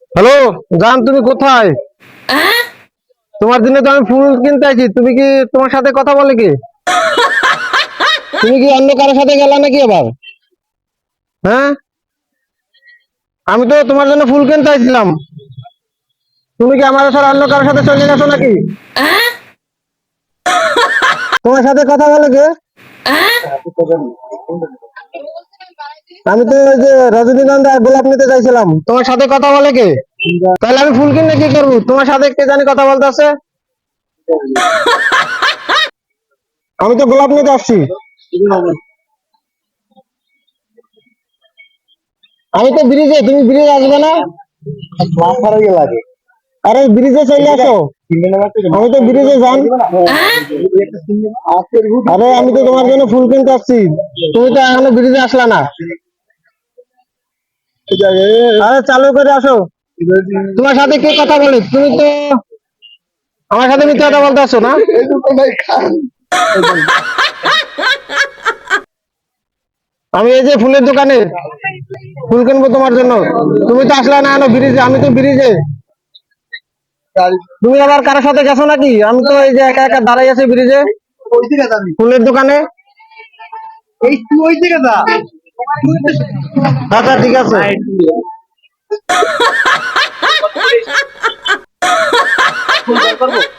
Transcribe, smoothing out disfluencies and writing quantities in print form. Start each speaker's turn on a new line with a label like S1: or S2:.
S1: Hello জান, তুমি কোথায়? তোমার জন্য তো আমি ফুল কিনতে আছি। তুমি কি তোমার সাথে কথা বলে কি? তুমি কি অন্য কারোর সাথে গেলা নাকি আবার? হ্যাঁ, আমি তো তোমার জন্য ফুল কিনতে আইছিলাম। তুমি কি আমার সাথে অন্য কারোর সাথে চলে গেছো নাকি? তোমার সাথে কথা বলে কে? আমি তো ওই যে রজনীগন্ধা গোলাপ নিতে চাইছিলাম। তোমার সাথে কথা বলে কে? তাহলে আমি ফুল কিনলে কি করবো? তোমার সাথে কে জানি কথা বলতে আছে। আমি তো গোলাপ নিতে আসছি। আমি তো ব্রিজে, তুমি ব্রিজে আসবে না? আরে ব্রিজে চলে আসো। আমি তো ব্রিজে যান। আরে আমি তো তোমার জন্য ফুল কিনতে আসছি। তুমি তো এখনো ব্রিজে আসলা না। আরে চালু করে আসো। তোমার সাথে কে কথা বলে? তুমি তো আমার সাথে মিথ্যা কথা বলতে আসছো না? আমি এই যে ফুলের দোকানে ফুল কিনবো তোমার জন্য। তুমি তো আসলা না এখনো ব্রিজে, আমি তো ব্রিজে। তুমি আবার কারোর সাথে গেছো নাকি? আমি তো এই যে একা একা দাঁড়াই আছি ব্রিজে ফুলের দোকানে। আচ্ছা ঠিক আছে।